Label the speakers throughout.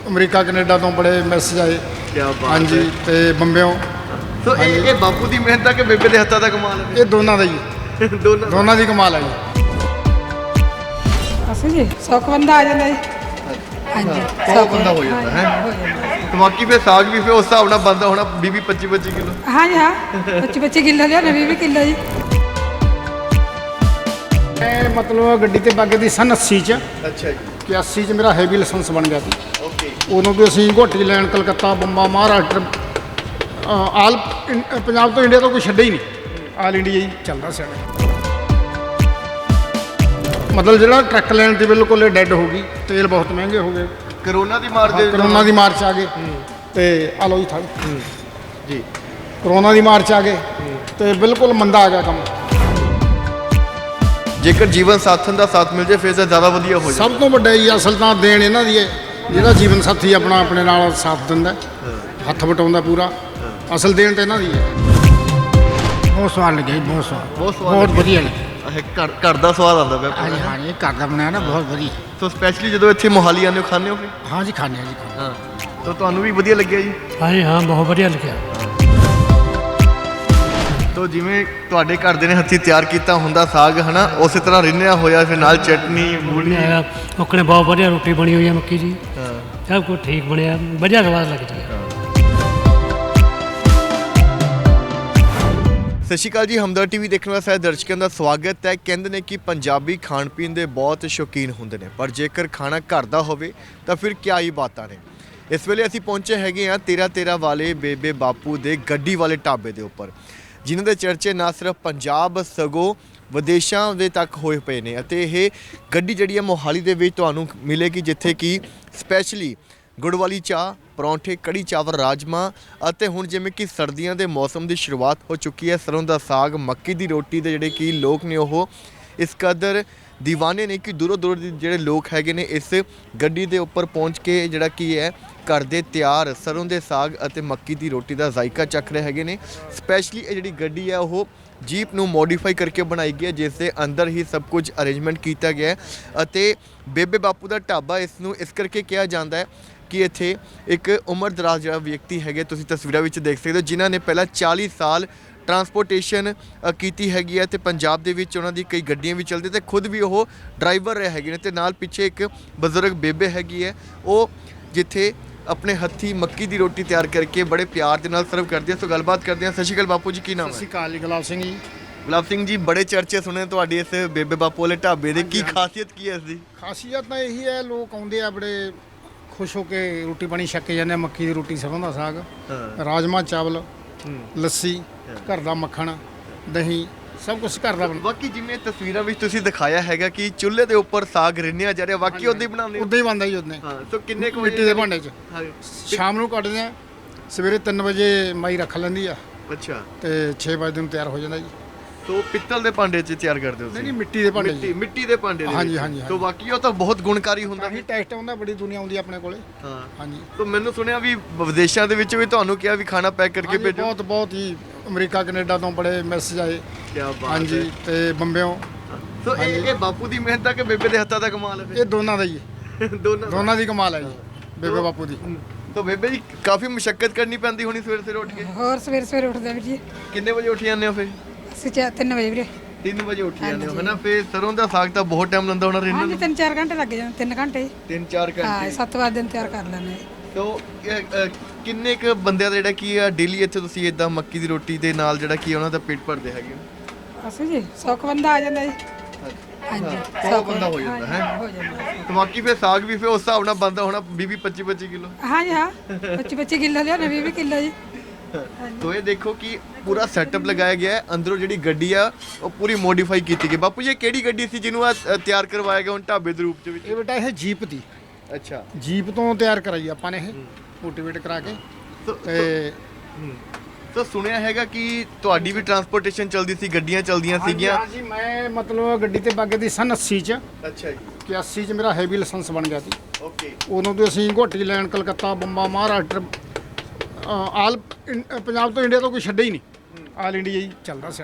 Speaker 1: America Canada ਤੋਂ ਬੜੇ message ਆਏ।
Speaker 2: क्या बात
Speaker 1: ਹਾਂਜੀ
Speaker 2: है।
Speaker 1: ਤੇ ਬੰਬਿਓਂ।
Speaker 2: तो ये बापू की मेहनत है कि बेबे के हत्था का कमाल है?
Speaker 1: ਇਹ ਦੋਨਾਂ ਦਾ ਜੀ,
Speaker 2: दोनों
Speaker 1: ਦੋਨਾਂ ਦੀ ਕਮਾਲ ਹੈ ਜੀ।
Speaker 3: ਅਸੀਂ ਜੀ 100 ਬੰਦਾ ਆ ਜਾਂਦਾ ਜੀ। ਹਾਂਜੀ
Speaker 2: 100 ਬੰਦਾ ਹੋ ਜਾਂਦਾ ਹੈ।
Speaker 3: ਹੋ ਜਾਂਦਾ।
Speaker 2: तो बाकी फिर साग भी फिर उस हिसाब नाल बनदा होना 20-25 किलो।
Speaker 3: ਹਾਂਜੀ ਹਾਂ 25 ਕਿੱਲੋ ਲਿਆ 20 ਕਿੱਲੋ ਜੀ।
Speaker 1: ਮੈਂ ਮਤਲਬ ਗੱਡੀ ਤੇ ਬਾਗੇ ਦੀ ਸਨ 80 ਚ
Speaker 2: अच्छा जी।
Speaker 1: ਕਿ 80 ਚ ਮੇਰਾ ਹੈਵੀ ਲਾਇਸੈਂਸ ਬਣ ਗਿਆ ਸੀ।
Speaker 2: ओके।
Speaker 1: ਉਦੋਂ ਵੀ ਅਸੀਂ ਘੋਟੀ ਲੈਣ ਕਲਕੱਤਾ, ਬੰਬਾ, ਮਹਾਰਾਸ਼ਟਰ, ਆਲ ਪੰਜਾਬ ਤੋਂ ਇੰਡੀਆ ਤੋਂ ਕੋਈ ਛੱਡੇ ਹੀ ਨਹੀਂ, ਆਲ ਇੰਡੀਆ ਹੀ ਚੱਲਦਾ ਸੀ। ਮਤਲਬ ਜਿਹੜਾ ਟਰੱਕ ਲੈਣ ਤੇ ਬਿਲਕੁਲ ਡੈੱਡ ਹੋ ਗਈ, ਤੇਲ ਬਹੁਤ ਮਹਿੰਗੇ ਹੋ ਗਏ,
Speaker 2: कोरोना दी मार दे
Speaker 1: ਕਰੋਨਾ ਦੀ ਮਾਰ 'ਚ ਆ ਗਏ ਤੇ ਆ ਲਓ ਜੀ ਥਾ
Speaker 2: जी।
Speaker 1: ਕਰੋਨਾ ਦੀ ਮਾਰ 'ਚ ਆ ਗਏ ਤੇ ਬਿਲਕੁਲ ਮੰਦਾ ਆ ਗਿਆ ਕੰਮ।
Speaker 2: जेकर जीवन साथन का साथ मिल जाए फिर तो ज़्यादा वधिया हो जाए।
Speaker 1: ਸਭ ਤੋਂ ਵੱਡਾ ਜੀ ਅਸਲ ਤਾਂ ਦੇਣ ਇਹਨਾਂ ਦੀ ਹੈ, ਜਿਹੜਾ ਜੀਵਨ ਸਾਥੀ ਆਪਣਾ ਆਪਣੇ ਨਾਲ ਸਾਥ ਦਿੰਦਾ, ਹੱਥ ਵਟਾਉਂਦਾ ਪੂਰਾ, ਅਸਲ ਦੇਣ ਤਾਂ ਇਹਨਾਂ ਦੀ ਹੈ। ਬਹੁਤ ਸਵਾਦ ਲੱਗਿਆ ਜੀ, ਬਹੁਤ ਸਵਾਦ,
Speaker 2: बहुत स्वाद
Speaker 1: ਬਹੁਤ
Speaker 2: लगे।
Speaker 1: ਵਧੀਆ ਲੱਗਿਆ।
Speaker 2: घर का स्वाद आता है।
Speaker 1: ਹਾਂਜੀ ਹਾਂ ਇਹ ਘਰ ਦਾ ਬਣਾਇਆ ਨਾ, ਬਹੁਤ ਵਧੀਆ।
Speaker 2: तो स्पैशली जो इतने मोहाली आने खाने हो फिर?
Speaker 1: ਹਾਂ ਜੀ ਖਾਣੇ ਆ ਜੀ ਖਾਂਦੇ।
Speaker 2: हाँ। तो ਤੁਹਾਨੂੰ ਵੀ ਵਧੀਆ ਲੱਗਿਆ ਜੀ?
Speaker 4: ਹਾਂਜੀ ਹਾਂ ਬਹੁਤ ਵਧੀਆ ਲੱਗਿਆ।
Speaker 2: ਤੋ ਜਿਵੇਂ ਤੁਹਾਡੇ ਘਰ ਦੇ ਨੇ ਹੱਥੀਂ ਤਿਆਰ ਕੀਤਾ ਹੁੰਦਾ ਸਾਗ ਹਨਾ, ਉਸੇ ਤਰ੍ਹਾਂ ਰਿੰਨਿਆ ਹੋਇਆ, ਫਿਰ ਨਾਲ ਚਟਨੀ ਮੂਲੀ।
Speaker 4: ਹੈਗਾ ਉਹਨੇ ਬਹੁਤ ਵਧੀਆ ਰੋਟੀ ਬਣੀ ਹੋਈ ਹੈ ਮੱਕੀ ਦੀ,
Speaker 2: ਹਾਂ।
Speaker 4: ਸਭ ਕੁਝ ਠੀਕ ਬਣਿਆ, ਵਧੀਆ ਸਵਾਦ ਲੱਗਦੀ ਹੈ।
Speaker 2: ਸਤਿ ਸ਼੍ਰੀ ਅਕਾਲ ਜੀ, ਹਮਦਰ ਟੀਵੀ ਦੇਖਣ ਵਾਲੇ ਸਾਰੇ ਦਰਸ਼ਕਾਂ ਦਾ ਸਵਾਗਤ ਹੈ। ਕਹਿੰਦੇ ਨੇ ਕਿ ਪੰਜਾਬੀ ਖਾਣ ਪੀਣ ਦੇ ਬਹੁਤ ਸ਼ੌਕੀਨ ਹੁੰਦੇ ਨੇ, ਪਰ ਜੇਕਰ ਖਾਣਾ ਘਰ ਦਾ ਹੋਵੇ ਤਾਂ ਫਿਰ ਕਿਆ ਹੀ ਬਾਤਾਂ ਨੇ। ਇਸ ਵੇਲੇ ਅਸੀਂ ਪਹੁੰਚੇ ਹੈਗੇ ਆ 13 ਵਾਲੇ ਬੇਬੇ ਬਾਪੂ ਦੇ ਗੱਡੀ ਵਾਲੇ ਢਾਬੇ ਦੇ ਉੱਪਰ, ਜਿਨ੍ਹਾਂ ਦੇ ਚਰਚੇ ਨਾ ਸਿਰਫ ਪੰਜਾਬ ਸਗੋਂ ਵਿਦੇਸ਼ਾਂ ਦੇ ਤੱਕ ਹੋਏ ਪਏ ਨੇ। ਅਤੇ ਇਹ ਗੱਡੀ ਜਿਹੜੀ ਹੈ ਮੋਹਾਲੀ ਦੇ ਵਿੱਚ ਤੁਹਾਨੂੰ ਮਿਲੇਗੀ, ਜਿੱਥੇ ਕਿ ਸਪੈਸ਼ਲੀ ਗੁੜ ਵਾਲੀ ਚਾਹ, ਪਰੌਂਠੇ, ਕੜੀ ਚਾਵਲ, ਰਾਜਮਾ ਅਤੇ ਹੁਣ ਜਿਵੇਂ ਕਿ ਸਰਦੀਆਂ ਦੇ ਮੌਸਮ ਦੀ ਸ਼ੁਰੂਆਤ ਹੋ ਚੁੱਕੀ ਹੈ, ਸਰੋਂ ਦਾ ਸਾਗ, ਮੱਕੀ ਦੀ ਰੋਟੀ ਦੇ ਜਿਹੜੇ ਕਿ ਲੋਕ ਨੇ ਉਹ ਇਸ ਕਦਰ ਦੀਵਾਨੇ ਨੇ ਕਿ ਦੂਰੋਂ ਦੂਰ ਦੇ ਜਿਹੜੇ ਲੋਕ ਹੈਗੇ ਨੇ ਇਸ ਗੱਡੀ ਦੇ ਉੱਪਰ ਪਹੁੰਚ ਕੇ ਜਿਹੜਾ ਕੀ ਹੈ ਘਰ ਦੇ ਤਿਆਰ ਸਰੋਂ ਦੇ ਸਾਗ ਅਤੇ ਮੱਕੀ ਦੀ ਰੋਟੀ ਦਾ ਜ਼ਾਇਕਾ ਚੱਖ ਰਹੇ ਹੈਗੇ ਨੇ। ਸਪੈਸ਼ਲੀ ਇਹ ਜਿਹੜੀ ਗੱਡੀ ਹੈ ਉਹ ਜੀਪ ਨੂੰ ਮੋਡੀਫਾਈ ਕਰਕੇ ਬਣਾਈ ਗਈ ਹੈ, ਜਿਸ ਦੇ ਅੰਦਰ ਹੀ ਸਭ ਕੁਝ ਅਰੇਂਜਮੈਂਟ ਕੀਤਾ ਗਿਆ ਹੈ। ਅਤੇ ਬੇਬੇ ਬਾਪੂ ਦਾ ਢਾਬਾ ਇਸ ਨੂੰ ਇਸ ਕਰਕੇ ਕਿਹਾ ਜਾਂਦਾ ਹੈ ਕਿ ਇੱਥੇ ਇੱਕ ਉਮਰ ਦਰਾਜ਼ ਜਿਹੜਾ ਵਿਅਕਤੀ ਹੈਗੇ, ਤੁਸੀਂ ਤਸਵੀਰਾਂ ਵਿੱਚ ਦੇਖ ਸਕਦੇ ਹੋ, ਜਿਨ੍ਹਾਂ ਨੇ ਪਹਿਲਾਂ 40 ਸਾਲ ਟਰਾਂਸਪੋਰਟੇਸ਼ਨ ਕੀਤੀ ਹੈਗੀ ਹੈ ਤੇ ਪੰਜਾਬ ਦੇ ਵਿੱਚ ਉਹਨਾਂ ਦੀ ਕਈ ਗੱਡੀਆਂ ਵੀ ਚੱਲਦੀ ਤੇ ਖੁਦ ਵੀ ਉਹ ਡਰਾਈਵਰ ਰਹੇ ਹੈਗੇ ਨੇ। ਤੇ ਨਾਲ ਪਿੱਛੇ ਇੱਕ ਬਜ਼ੁਰਗ ਬੇਬੇ ਹੈਗੀ ਹੈ, ਉਹ ਜਿੱਥੇ ਆਪਣੇ ਹੱਥੀ ਮੱਕੀ ਦੀ ਰੋਟੀ ਤਿਆਰ ਕਰਕੇ ਬੜੇ ਪਿਆਰ ਦੇ ਨਾਲ ਸਰਵ ਕਰਦੇ ਆ। ਸੋ ਗੱਲਬਾਤ ਕਰਦੇ ਆ। ਸਤਿ ਸ਼੍ਰੀ ਅਕਾਲ ਬਾਪੂ ਜੀ, ਕੀ ਨਾਮ
Speaker 1: ਸਤਿ
Speaker 2: ਹੈ?
Speaker 1: ਸ਼੍ਰੀ ਅਕਾਲ ਜੀ, ਗੁਲਾਬ ਸਿੰਘ ਜੀ।
Speaker 2: ਗੁਲਾਬ ਸਿੰਘ ਜੀ, ਬੜੇ ਚਰਚੇ ਸੁਣੇ ਤੁਹਾਡੀ ਇਸ ਬੇਬੇ ਬਾਪੂ ਵਾਲੇ ਢਾਬੇ ਦੇ, ਕੀ ਖਾਸੀਅਤ ਕੀ ਹੈ ਇਸ ਦੀ?
Speaker 1: ਖਾਸੀਅਤ ਤਾਂ ਇਹੀ ਹੈ, ਲੋਕ ਆਉਂਦੇ ਆ ਬੜੇ ਖੁਸ਼ ਹੋ ਕੇ ਰੋਟੀ ਪਾਣੀ ਛੱਕ ਕੇ ਜਾਂਦੇ ਆ। ਮੱਕੀ ਦੀ ਰੋਟੀ, ਸਰੋਂ ਦਾ ਸਾਗ, ਰਾਜਮਾ ਚਾਵਲ, ਲੱਸੀ, ਘਰ ਦਾ ਮੱਖਣ, ਦਹੀਂ, ਸਭ ਕੁਝ ਘਰ ਦਾ ਬਣਦਾ।
Speaker 2: ਬਾਕੀ ਜਿਵੇਂ ਤਸਵੀਰਾਂ ਵਿੱਚ ਤੁਸੀਂ ਦਿਖਾਇਆ ਹੈਗਾ ਕਿ ਚੁੱਲ੍ਹੇ ਦੇ ਉੱਪਰ ਸਾਗ ਰਿੰਨਿਆ ਜਾ ਰਿਹਾ, ਵਾਕਈ ਉਦਾਂ ਹੀ ਬਣਾਉਂਦੇ ਹੋ?
Speaker 1: ਉਦਾਂ ਹੀ ਬਣਦਾ ਜੀ, ਉਦਾਂ ਹੀ।
Speaker 2: ਹਾਂ। ਸੋ ਕਿੰਨੇ ਕੁ
Speaker 1: ਮਿੱਟੀ ਦੇ ਭਾਂਡੇ 'ਚ
Speaker 2: ਹਾਂ।
Speaker 1: ਸ਼ਾਮ ਨੂੰ ਕੱਢਦੇ ਆ, ਸਵੇਰੇ 3 ਵਜੇ ਮਾਈ ਰੱਖ ਲੈਂਦੀ ਆ
Speaker 2: ਅੱਛਾ।
Speaker 1: ਤੇ 6 ਵਜੇ ਨੂੰ ਤਿਆਰ ਹੋ ਜਾਂਦਾ ਜੀ।
Speaker 2: ਸੋ ਪਿੱਤਲ ਦੇ ਭਾਂਡੇ 'ਚ ਤਿਆਰ ਕਰਦੇ ਹੋ
Speaker 1: ਨਹੀਂ
Speaker 2: ਤੁਸੀਂ?
Speaker 1: ਨਹੀਂ, ਮਿੱਟੀ ਦੇ ਭਾਂਡੇ 'ਚ।
Speaker 2: ਮਿੱਟੀ ਦੇ ਭਾਂਡੇ ਦੇ
Speaker 1: ਹਾਂਜੀ,
Speaker 2: ਵਿੱਚ।
Speaker 1: ਹਾਂਜੀ,
Speaker 2: ਸੋ
Speaker 1: ਹਾਂਜੀ।
Speaker 2: ਬਾਕੀ ਉਹ ਤਾਂ ਬਹੁਤ ਗੁਣਕਾਰੀ ਹੁੰਦਾ
Speaker 1: ਕਾਫੀ ਟੈਸਟ ਹੁੰਦਾ, ਬੜੀ ਦੁਨੀਆ ਆਉਂਦੀ ਆਪਣੇ ਕੋਲੇ।
Speaker 2: ਹਾਂ।
Speaker 1: ਹਾਂਜੀ
Speaker 2: ਸੋ ਮੈਨੂੰ ਸੁਣਿਆ ਵੀ ਵਿਦੇਸ਼ਾਂ ਦੇ ਵਿੱਚ ਵੀ ਤੁਹਾਨੂੰ ਕਿਹਾ ਵੀ ਖਾਣਾ ਪੈਕ ਕਰਕੇ
Speaker 1: ਹਾਂਜੀ,
Speaker 2: ਭੇਜੋ।
Speaker 1: ਬਹੁਤ ਬਹੁਤ ਹੀ ਅਮਰੀਕਾ ਕੈਨੇਡਾ ਤੋਂ ਬੜੇ ਮੈਸੇਜ ਆਏ।
Speaker 2: ਕੀ ਬਾਤ
Speaker 1: ਹਾਂਜੀ
Speaker 2: ਹੈ।
Speaker 1: ਤੇ ਬੰਬਿਓਂ।
Speaker 2: ਸੋ ਇਹ ਬਾਪੂ ਦੀ ਮਿਹਨਤ ਹੈ ਕਿ ਬੇਬੇ ਦੇ ਹੱਥਾਂ ਦਾ ਕਮਾਲ ਹੈ?
Speaker 1: ਇਹ ਦੋਨਾਂ ਦਾ ਹੀ ਹੈ,
Speaker 2: ਦੋਨੋਂ ਦਾ।
Speaker 1: ਦੋਨਾਂ ਦੀ ਕਮਾਲ ਹੈ ਜੀ, ਬੇਬੇ ਬਾਪੂ ਦੀ।
Speaker 2: तो बेबे जी काफी मुशक्कत करनी पैंदी होनी सवेरे उठ के?
Speaker 3: ਹੋਰ ਸਵੇਰੇ ਉੱਠਦੇ ਵੀਰ ਜੀ
Speaker 2: कितने बजे उठ जाते हो फिर?
Speaker 3: ਅਸੀਂ 3 ਵਜੇ ਵੀਰੇ।
Speaker 2: 3 बजे उठ जाते हो है ना? फिर सरों का साग तो बहुत टाइम लगता होना रिन्नन
Speaker 3: ਹਾਂਜੀ 3-4 ਘੰਟੇ ਲੱਗ ਜਾਂਦੇ, 3 ਘੰਟੇ।
Speaker 2: 3-4
Speaker 3: ਹਾਂ
Speaker 2: घंटे।
Speaker 3: 7 ਵਜੇ ਦਿਨ ਤਿਆਰ ਕਰ ਲੈਂਦੇ।
Speaker 2: तो ਕਿੰਨੇ ਕ ਬੰਦਿਆਂ ਦਾ ਜਿਹੜਾ ਕੀ ਆ ਡੇਲੀ ਇੱਥੇ ਤੁਸੀਂ ਇਦਾਂ ਮੱਕੀ ਦੀ ਰੋਟੀ ਦੇ ਨਾਲ ਜਿਹੜਾ ਕੀ ਉਹਨਾਂ ਦਾ ਪੇਟ ਭਰਦੇ ਹੈਗੇ ਹੋ?
Speaker 3: ਅਸੀਂ ਜੀ 100 ਬੰਦਾ ਆ ਜਾਂਦਾ ਜੀ। ਹਾਂਜੀ
Speaker 2: 100 ਬੰਦਾ ਹੋ ਜਾਂਦਾ ਹੈ।
Speaker 3: ਹੋ ਜਾਂਦਾ।
Speaker 2: ਤੇ ਬਾਕੀ ਫਿਰ ਸਾਗ ਵੀ ਫਿਰ ਉਸ ਹਿਸਾਬ ਨਾਲ ਬੰਦਾ ਹੋਣਾ 20-25 ਕਿਲੋ।
Speaker 3: ਹਾਂਜੀ ਹਾਂ 25 ਕਿੱਲੋ ਲਿਆ 20 ਕਿੱਲੋ ਜੀ।
Speaker 2: ਤੋ ਇਹ ਦੇਖੋ ਕਿ ਪੂਰਾ ਸੈਟਅਪ ਲਗਾਇਆ ਗਿਆ ਹੈ, ਅੰਦਰੋਂ ਜਿਹੜੀ ਗੱਡੀ ਆ ਉਹ ਪੂਰੀ ਮੋਡੀਫਾਈ ਕੀਤੀ ਗਈ। ਬਾਪੂ ਜੀ ਇਹ ਕਿਹੜੀ ਗੱਡੀ ਸੀ ਜਿਹਨੂੰ ਆ ਤਿਆਰ ਕਰਵਾਇਆ ਗਿਆ ਹੁਣ ਢਾਬੇ ਦੇ ਰੂਪ ਦੇ ਵਿੱਚ?
Speaker 1: ਇਹ ਬੇਟਾ ਇਹ ਜੀਪ ਦੀ,
Speaker 2: ਅੱਛਾ।
Speaker 1: ਜੀਪ ਤੋਂ ਤਿਆਰ ਕਰਾਈ ਆਪਾਂ ਨੇ, ਇਹ ਮੋਟੀਵੇਟ ਕਰਾ ਕੇ। ਤੇ
Speaker 2: ਸੋ ਸੁਣਿਆ ਹੈਗਾ ਕਿ ਤੁਹਾਡੀ ਵੀ ਟਰਾਂਸਪੋਰਟੇਸ਼ਨ ਚੱਲਦੀ ਸੀ, ਗੱਡੀਆਂ ਚੱਲਦੀਆਂ ਸੀਗੀਆਂ।
Speaker 1: ਹਾਂਜੀ ਮੈਂ ਮਤਲਬ ਗੱਡੀ ਤੇ ਬਾਗੇ ਦੀ ਸਨ 80 ਚ
Speaker 2: ਅੱਛਾ ਜੀ।
Speaker 1: ਕਿ 80 ਚ ਮੇਰਾ ਹੈਵੀ ਲਾਇਸੈਂਸ ਬਣ ਗਿਆ ਸੀ।
Speaker 2: ਓਕੇ।
Speaker 1: ਉਦੋਂ ਤੋਂ ਅਸੀਂ ਘੋਟੀ ਲੈਣ ਕਲਕੱਤਾ, ਬੰਬਾ, ਮਹਾਰਾਸ਼ਟਰ, ਆਲ ਪੰਜਾਬ ਤੋਂ ਇੰਡੀਆ ਤੋਂ ਕੋਈ ਛੱਡੇ ਹੀ ਨਹੀਂ, ਆਲ ਇੰਡੀਆ ਹੀ ਚੱਲਦਾ ਸਾਡੇ ਦਾ।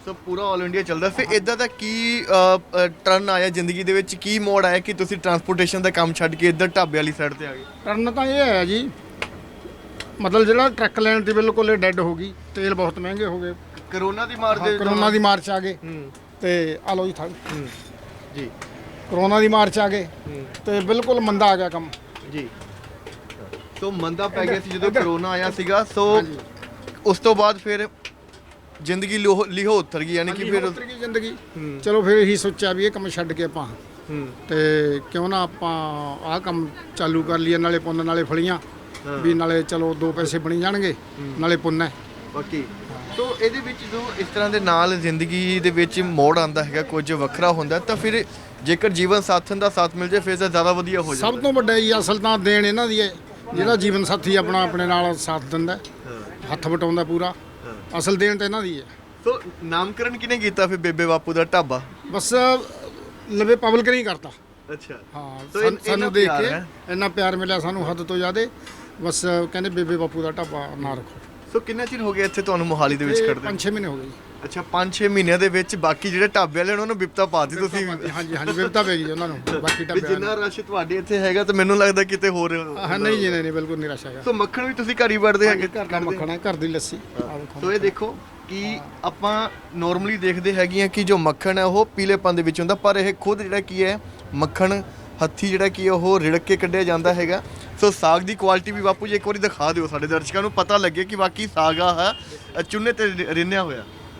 Speaker 2: ਸੋ ਪੂਰਾ ਆਲ ਇੰਡੀਆ ਚੱਲਦਾ। ਫਿਰ ਇਦਾਂ ਦਾ ਕੀ ਟਰਨ ਆਇਆ ਜ਼ਿੰਦਗੀ ਦੇ ਵਿੱਚ, ਕੀ ਮੋੜ ਆਇਆ ਕਿ ਤੁਸੀਂ ਟਰਾਂਸਪੋਰਟੇਸ਼ਨ ਦਾ ਕੰਮ ਛੱਡ ਕੇ ਇੱਧਰ ਢਾਬੇ ਵਾਲੀ ਸਾਈਡ ਤੇ ਆ ਗਏ?
Speaker 1: ਟਰਨ ਤਾਂ ਇਹ ਹੈ ਜੀ, ਮਤਲਬ ਜਿਹੜਾ ਟਰੱਕ ਲੈਣ ਦੀ ਬਿਲਕੁਲ ਇਹ ਡੈੱਡ ਹੋ ਗਈ, ਤੇਲ ਬਹੁਤ ਮਹਿੰਗੇ ਹੋ ਗਏ,
Speaker 2: ਕਰੋਨਾ ਦੀ ਮਾਰ ਦੇ
Speaker 1: ਕਰੋਨਾ ਦੀ ਮਾਰ 'ਚ ਆ ਗਏ ਤੇ ਆ ਲਓ ਜੀ
Speaker 2: ਜੀ
Speaker 1: ਕਰੋਨਾ ਦੀ ਮਾਰ 'ਚ ਆ ਗਏ ਤੇ ਬਿਲਕੁਲ ਮੰਦਾ ਆ ਗਿਆ ਕੰਮ
Speaker 2: ਜੀ। ਸੋ ਮੰਦਾ ਪੈ ਗਿਆ ਸੀ ਜਦੋਂ ਕਰੋਨਾ ਆਇਆ ਸੀਗਾ। ਸੋ ਉਸ ਤੋਂ ਬਾਅਦ ਫਿਰ ਜ਼ਿੰਦਗੀ ਲਿਹੋ ਉਤਰ ਗਈ, ਯਾਨੀ ਕਿ ਫਿਰ
Speaker 1: ਉਤਰ ਗਈ ਜ਼ਿੰਦਗੀ। ਚਲੋ ਫਿਰ ਇਹੀ ਸੋਚਿਆ ਵੀ ਇਹ ਕੰਮ ਛੱਡ ਕੇ ਆਪਾਂ ਤੇ ਕਿਉਂ ਨਾ ਆਪਾਂ ਆਹ ਕੰਮ ਚਾਲੂ ਕਰ ਲਈਏ, ਨਾਲੇ ਪੁੰਨ ਨਾਲੇ ਫਲੀਆਂ ਵੀ, ਨਾਲੇ ਚਲੋ 2 ਪੈਸੇ ਬਣੀ ਜਾਣਗੇ, ਨਾਲੇ ਪੁੰਨ ਹੈ
Speaker 2: ਬਾਕੀ। ਸੋ ਇਹਦੇ ਵਿੱਚ ਜੋ ਇਸ ਤਰ੍ਹਾਂ ਦੇ ਨਾਲ ਜ਼ਿੰਦਗੀ ਦੇ ਵਿੱਚ ਮੋੜ ਆਉਂਦਾ ਹੈਗਾ, ਕੁਝ ਵੱਖਰਾ ਹੁੰਦਾ, ਤਾਂ ਫਿਰ ਜੇਕਰ ਜੀਵਨ ਸਾਥਣ ਦਾ ਸਾਥ ਮਿਲ ਜਾਏ ਫਿਰ ਤਾਂ ਜ਼ਿਆਦਾ ਵਧੀਆ ਹੋ ਜਾਂਦਾ।
Speaker 1: ਸਭ ਤੋਂ ਵੱਡਾ ਜੀ ਅਸਲ ਤਾਂ ਦੇਣ ਇਹਨਾਂ ਦੀ ਹੈ, ਜਿਹੜਾ ਜੀਵਨ ਸਾਥੀ ਆਪਣਾ ਆਪਣੇ ਨਾਲ ਸਾਥ ਦਿੰਦਾ, ਹੱਥ ਵਟਾਉਂਦਾ ਪੂਰਾ, ਅਸਲ ਦੇਣ ਤਾਂ ਇਹਨਾਂ ਦੀ ਹੈ।
Speaker 2: ਸੋ ਨਾਮਕਰਨ ਕਿਹਨੇ ਕੀਤਾ ਫਿਰ ਬੇਬੇ ਬਾਪੂ ਦਾ ਢਾਬਾ?
Speaker 1: ਬਸ ਲਵੇ ਪਬਲਿਕ ਨਹੀਂ ਕਰਤਾ।
Speaker 2: ਅੱਛਾ।
Speaker 1: ਹਾਂ,
Speaker 2: ਸੋ
Speaker 1: ਸਾਨੂੰ ਦੇਖ ਕੇ ਇੰਨਾ ਪਿਆਰ ਮਿਲਿਆ ਸਾਨੂੰ ਹੱਦ ਤੋਂ ਜ਼ਿਆਦਾ, ਬਸ ਕਹਿੰਦੇ ਬੇਬੇ ਬਾਪੂ ਦਾ ਢਾਬਾ ਨਾ ਰੱਖੋ।
Speaker 2: ਸੋ ਕਿੰਨਾ ਚਿਰ ਹੋ ਗਿਆ ਇੱਥੇ ਤੁਹਾਨੂੰ ਮੋਹਾਲੀ ਦੇ ਵਿੱਚ ਖੜਦੇ?
Speaker 1: 5-6 ਮਹੀਨੇ ਹੋ ਗਏ ਜੀ।
Speaker 2: ਅੱਛਾ, 5-6 ਮਹੀਨਿਆਂ ਦੇ ਵਿੱਚ ਬਾਕੀ ਜਿਹੜੇ ਢਾਬੇ ਵਾਲੇ ਉਹਨਾਂ ਨੂੰ ਬਿਪਤਾ ਪਾਤੀ ਤੁਸੀਂ।
Speaker 1: ਹਾਂਜੀ ਹਾਂਜੀ, ਬਿਪਤਾ ਪੈ ਗਈ ਉਹਨਾਂ ਨੂੰ ਬਾਕੀ
Speaker 2: ਵੀ
Speaker 1: ਢਾਬੇ
Speaker 2: ਜਿੰਨਾ ਰਸ਼ ਤੁਹਾਡੇ ਇੱਥੇ ਹੈਗਾ ਤਾਂ ਮੈਨੂੰ ਲੱਗਦਾ ਕਿਤੇ ਹੋਰ।
Speaker 1: ਹਾਂ ਨਹੀਂ ਜੀ, ਨਹੀਂ ਬਿਲਕੁਲ ਨਹੀਂ ਰਸ਼ ਹੈਗਾ।
Speaker 2: ਸੋ ਮੱਖਣ ਵੀ ਤੁਸੀਂ ਘਰ ਹੀ ਵੜਦੇ ਹੈਗੇ?
Speaker 1: ਘਰ ਦਾ ਮੱਖਣ ਹੈ, ਘਰ ਦੀ ਲੱਸੀ।
Speaker 2: ਸੋ ਇਹ ਦੇਖੋ ਕਿ ਆਪਾਂ ਨੋਰਮਲੀ ਦੇਖਦੇ ਹੈਗੇ ਆ ਕਿ ਜੋ ਮੱਖਣ ਹੈ ਉਹ ਪੀਲੇਪਨ ਦੇ ਵਿੱਚ ਹੁੰਦਾ, ਪਰ ਇਹ ਖੁਦ ਜਿਹੜਾ ਕੀ ਹੈ ਮੱਖਣ ਹੱਥੀ ਜਿਹੜਾ ਕੀ ਉਹ ਰਿੜਕ ਕੇ ਕੱਢਿਆ ਜਾਂਦਾ ਹੈਗਾ। ਸੋ ਸਾਗ ਦੀ ਕੁਆਲਿਟੀ ਵੀ ਬਾਪੂ ਜੀ ਇੱਕ ਵਾਰੀ ਦਿਖਾ ਦਿਓ, ਸਾਡੇ ਦਰਸ਼ਕਾਂ ਨੂੰ ਪਤਾ ਲੱਗੇ ਕਿ ਵਾਕਈ ਸਾਗ ਆ ਚੁੰਨੇ ਤੇ ਰਿੰਨਿਆ ਹੋਇਆ।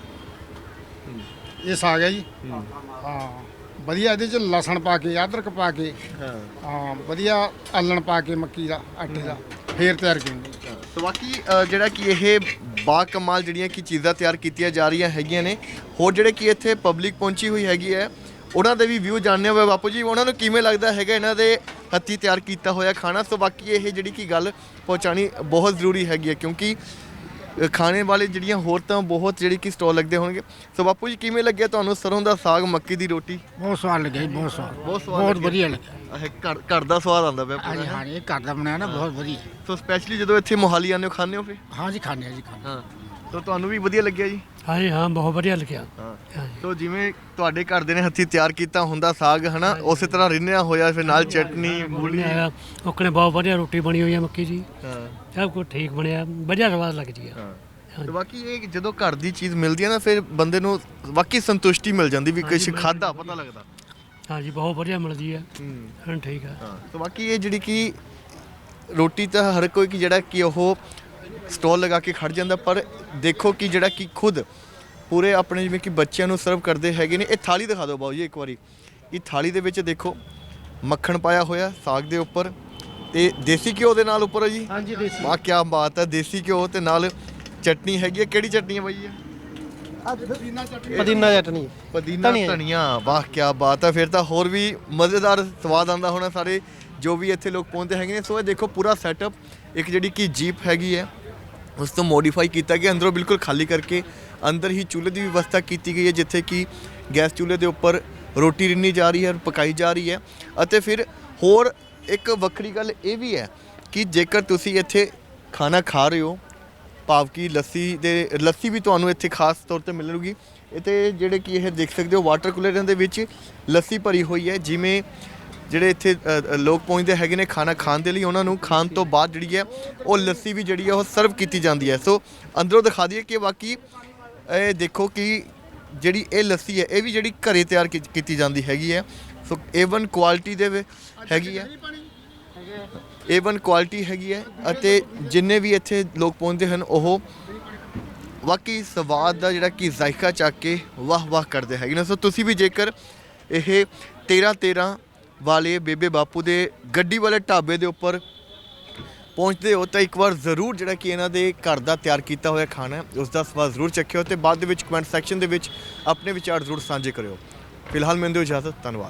Speaker 1: ਇਹ ਸਾਗ ਹੈ ਜੀ। ਹਾਂ ਵਧੀਆ, ਇਹਦੇ 'ਚ ਲਸਣ ਪਾ ਕੇ, ਅਦਰਕ ਪਾ ਕੇ, ਹਾਂ ਵਧੀਆ ਆਲਣ ਪਾ ਕੇ ਮੱਕੀ ਦਾ ਆਟੇ ਦਾ ਫੇਰ ਤਿਆਰ ਕੀਤੀ।
Speaker 2: ਸੋ ਬਾਕੀ ਜਿਹੜਾ ਕਿ ਇਹ ਬਾ ਕਮਾਲ ਜਿਹੜੀਆਂ ਕਿ ਚੀਜ਼ਾਂ ਤਿਆਰ ਕੀਤੀਆਂ ਜਾ ਰਹੀਆਂ ਹੈਗੀਆਂ ਨੇ, ਹੋਰ ਜਿਹੜੇ ਕਿ ਇੱਥੇ ਪਬਲਿਕ ਪਹੁੰਚੀ ਹੋਈ ਹੈਗੀ ਹੈ ਉਹਨਾਂ ਦੇ ਵੀ ਵਿਊ ਜਾਣਨੇ ਹੋਏ ਬਾਪੂ ਜੀ, ਉਹਨਾਂ ਨੂੰ ਕਿਵੇਂ ਲੱਗਦਾ ਹੈਗਾ ਇਹਨਾਂ ਦੇ ਹੱਥੀਂ ਤਿਆਰ ਕੀਤਾ ਹੋਇਆ ਖਾਣਾ। ਸੋ ਬਾਕੀ ਇਹ ਜਿਹੜੀ ਕਿ ਗੱਲ ਪਹੁੰਚਾਉਣੀ ਬਹੁਤ ਜ਼ਰੂਰੀ ਹੈਗੀ ਹੈ, ਕਿਉਂਕਿ ਖਾਣੇ ਵਾਲੇ ਜਿਹੜੀਆਂ ਹੋਰ ਤਾਂ ਬਹੁਤ ਜਿਹੜੀ ਕਿ ਸਟਾਲ ਲੱਗਦੇ ਹੋਣਗੇ। ਸੋ ਬਾਪੂ ਜੀ ਕਿਵੇਂ ਲੱਗਿਆ ਤੁਹਾਨੂੰ ਸਰੋਂ ਦਾ ਸਾਗ ਮੱਕੀ ਦੀ ਰੋਟੀ?
Speaker 1: ਬਹੁਤ ਸਵਾਦ ਲੱਗਿਆ ਜੀ, ਬਹੁਤ ਸਵਾਦ,
Speaker 2: ਬਹੁਤ
Speaker 1: ਬਹੁਤ ਵਧੀਆ ਲੱਗਿਆ।
Speaker 2: ਇਹ ਘਰ ਦਾ ਸਵਾਦ ਆਉਂਦਾ ਪਿਆ ਪੂਰਾ।
Speaker 1: ਹਾਂਜੀ ਹਾਂ, ਇਹ ਘਰ ਦਾ ਬਣਾਇਆ ਨਾ, ਬਹੁਤ ਵਧੀਆ।
Speaker 2: ਸੋ ਸਪੈਸ਼ਲੀ ਜਦੋਂ ਇੱਥੇ ਮੋਹਾਲੀ ਆਉਂਦੇ ਹੋ ਖਾਂਦੇ ਹੋ ਫਿਰ?
Speaker 1: ਹਾਂ ਜੀ, ਖਾਣੇ ਆ ਜੀ, ਖਾਣੇ।
Speaker 2: ਹਾਂ, ਸੋ ਤੁਹਾਨੂੰ ਵੀ ਵਧੀਆ ਲੱਗਿਆ ਜੀ?
Speaker 4: ਹਾਂਜੀ ਹਾਂ, ਬਹੁਤ ਵਧੀਆ ਲੱਗਿਆ।
Speaker 2: ਹਾਂ, ਸੋ ਜਿਵੇਂ ਤੁਹਾਡੇ ਘਰ ਦੇ ਨੇ ਹੱਥੀਂ ਤਿਆਰ ਕੀਤਾ ਹੁੰਦਾ ਸਾਗ ਹਨਾ, ਉਸੇ ਤਰ੍ਹਾਂ ਰਿੰਨਿਆ ਹੋਇਆ, ਫਿਰ ਨਾਲ ਚਟਨੀ ਮੂਲੀ
Speaker 4: ਆਇਆ ਉਹਨੇ ਬਹੁਤ ਵਧੀਆ ਰੋਟੀ ਬਣੀ ਹੋਈ ਹੈ ਮੱਕੀ ਦੀ,
Speaker 2: ਹਾਂ
Speaker 4: ਸਭ ਕੁਝ ਠੀਕ ਬਣਿਆ, ਵਧੀਆ ਸਵਾਦ ਲੱਗਦੀ ਹੈ।
Speaker 2: ਤੇ ਬਾਕੀ ਇਹ ਜਦੋਂ ਘਰ ਦੀ ਚੀਜ਼ ਮਿਲਦੀ ਹੈ ਨਾ ਫਿਰ ਬੰਦੇ ਨੂੰ ਵਾਕਈ ਸੰਤੁਸ਼ਟੀ ਮਿਲ ਜਾਂਦੀ ਵੀ ਕੁਛ ਖਾਦਾ ਪਤਾ ਲੱਗਦਾ।
Speaker 4: ਹਾਂਜੀ ਬਹੁਤ ਵਧੀਆ ਮਿਲਦੀ ਹੈ। ਹਾਂ ਠੀਕ ਹੈ।
Speaker 2: ਹਾਂ, ਤੇ ਬਾਕੀ ਇਹ ਜਿਹੜੀ ਕਿ ਰੋਟੀ ਤਾਂ ਹਰ ਕੋਈ ਕਿ ਜਿਹੜਾ ਕਿ ਉਹ ਸਟਾਲ ਲਗਾ ਕੇ ਖੜ ਜਾਂਦਾ, ਪਰ ਦੇਖੋ ਕਿ ਜਿਹੜਾ ਕਿ ਖੁਦ ਪੂਰੇ ਆਪਣੇ ਜਿਵੇਂ ਕਿ ਬੱਚਿਆਂ ਨੂੰ ਸਰਵ ਕਰਦੇ ਹੈਗੇ ਨੇ। ਇਹ ਥਾਲੀ ਦਿਖਾ ਦਿਓ ਬਾਊ ਜੀ ਇੱਕ ਵਾਰੀ। ਇਹ ਥਾਲੀ ਦੇ ਵਿੱਚ ਦੇਖੋ ਮੱਖਣ ਪਾਇਆ ਹੋਇਆ ਸਾਗ ਦੇ ਉੱਪਰ ਤੇ ਦੇਸੀ ਘਿਓ ਦੇ ਨਾਲ ਉੱਪਰ ਹੈ ਜੀ।
Speaker 1: ਹਾਂਜੀ ਦੇਸੀ।
Speaker 2: ਵਾਹ ਕੀ ਬਾਤ ਹੈ, ਦੇਸੀ ਘਿਓ ਤੇ ਨਾਲ ਚਟਨੀ ਹੈਗੀ ਹੈ। ਕਿਹੜੀ ਚਟਨੀ ਹੈ ਬਾਈ ਇਹ?
Speaker 1: ਪੁਦੀਨਾ ਚਟਨੀ।
Speaker 5: ਪੁਦੀਨਾ ਚਟਨੀ,
Speaker 2: ਪੁਦੀਨਾ ਧਨੀਆ। ਵਾਹ ਕੀ ਬਾਤ ਹੈ, ਫਿਰ ਤਾਂ ਹੋਰ ਵੀ ਮਜ਼ੇਦਾਰ ਸਵਾਦ ਆਉਂਦਾ ਹੋਣਾ ਸਾਰੇ ਜੋ ਵੀ ਇੱਥੇ ਲੋਕ ਪਹੁੰਚਦੇ ਹੈਗੇ ਨੇ। ਸੋ ਇਹ ਦੇਖੋ ਪੂਰਾ ਸੈਟਅਪ, ਇੱਕ ਜਿਹੜੀ ਕਿ ਜੀਪ ਹੈਗੀ ਹੈ ਉਸ ਤੋਂ ਮੋਡੀਫਾਈ ਕੀਤਾ ਗਿਆ, ਅੰਦਰੋਂ ਬਿਲਕੁਲ ਖਾਲੀ ਕਰਕੇ ਅੰਦਰ ਹੀ ਚੁੱਲ੍ਹੇ ਦੀ ਵਿਵਸਥਾ ਕੀਤੀ ਗਈ ਹੈ, ਜਿੱਥੇ ਕਿ ਗੈਸ ਚੁੱਲ੍ਹੇ ਦੇ ਉੱਪਰ ਰੋਟੀ ਰਿੰਨੀ ਜਾ ਰਹੀ ਹੈ, ਪਕਾਈ ਜਾ ਰਹੀ ਹੈ। ਅਤੇ ਫਿਰ ਹੋਰ ਇੱਕ ਵੱਖਰੀ ਗੱਲ ਇਹ ਵੀ ਹੈ ਕਿ ਜੇਕਰ ਤੁਸੀਂ ਇੱਥੇ ਖਾਣਾ ਖਾ ਰਹੇ ਹੋ, ਭਾਵ ਕਿ ਲੱਸੀ ਵੀ ਤੁਹਾਨੂੰ ਇੱਥੇ ਖਾਸ ਤੌਰ ਤੇ ਮਿਲੇਗੀ। ਇੱਥੇ ਜਿਹੜੇ ਕਿ ਇਹ ਦੇਖ ਸਕਦੇ ਹੋ ਵਾਟਰ ਕੂਲਰਾਂ ਦੇ ਵਿੱਚ ਲੱਸੀ ਭਰੀ ਹੋਈ ਹੈ। ਜਿਵੇਂ ਜਿਹੜੇ ਇੱਥੇ ਲੋਕ ਪਹੁੰਚਦੇ ਹੈਗੇ ਨੇ ਖਾਣਾ ਖਾਣ ਦੇ ਲਈ, ਉਹਨਾਂ ਨੂੰ ਖਾਣ ਤੋਂ ਬਾਅਦ ਜਿਹੜੀ ਹੈ ਉਹ ਲੱਸੀ ਵੀ ਜਿਹੜੀ ਹੈ ਉਹ ਸਰਵ ਕੀਤੀ ਜਾਂਦੀ ਹੈ। ਸੋ ਅੰਦਰੋਂ ਦਿਖਾ ਦਈਏ ਕਿ ਬਾਕੀ ਇਹ ਦੇਖੋ ਕਿ ਜਿਹੜੀ ਇਹ ਲੱਸੀ ਹੈ ਇਹ ਵੀ ਜਿਹੜੀ ਘਰੇ ਤਿਆਰ ਕੀਤੀ ਜਾਂਦੀ ਹੈਗੀ ਹੈ। ਸੋ A1 ਕੁਆਲਿਟੀ ਦੇ ਹੈਗੀ ਹੈ, A1 ਕੁਆਲਿਟੀ ਹੈਗੀ ਹੈ। ਅਤੇ ਜਿੰਨੇ ਵੀ ਇੱਥੇ ਲੋਕ ਪਹੁੰਚਦੇ ਹਨ ਉਹ ਵਾਕਈ ਸਵਾਦ ਦਾ ਜਿਹੜਾ ਕਿ ਜ਼ਾਇਕਾ ਚੱਕ ਕੇ ਵਾਹ ਵਾਹ ਕਰਦੇ ਹੈਗੇ ਨੇ। ਸੋ ਤੁਸੀਂ ਵੀ ਜੇਕਰ ਇਹ 13 ਵਾਲੇ ਬੇਬੇ ਬਾਪੂ ਦੇ ਗੱਡੀ ਵਾਲੇ ਢਾਬੇ ਦੇ ਉੱਪਰ ਪਹੁੰਚਦੇ ਹੋ ਤਾਂ ਇੱਕ ਵਾਰ ਜ਼ਰੂਰ ਜਿਹੜਾ ਕਿ ਇਹਨਾਂ ਦੇ ਘਰ ਦਾ ਤਿਆਰ ਕੀਤਾ ਹੋਇਆ ਖਾਣਾ ਉਸ ਦਾ ਸਵਾਦ ਜ਼ਰੂਰ ਚੱਖਿਓ, ਤੇ ਬਾਅਦ ਦੇ ਵਿੱਚ ਕਮੈਂਟ ਸੈਕਸ਼ਨ ਦੇ ਵਿੱਚ ਆਪਣੇ ਵਿਚਾਰ ਜ਼ਰੂਰ ਸਾਂਝੇ ਕਰਿਓ। ਫਿਲਹਾਲ ਮੈਨੂੰ ਦਿਓ ਇਜਾਜ਼ਤ, ਧੰਨਵਾਦ।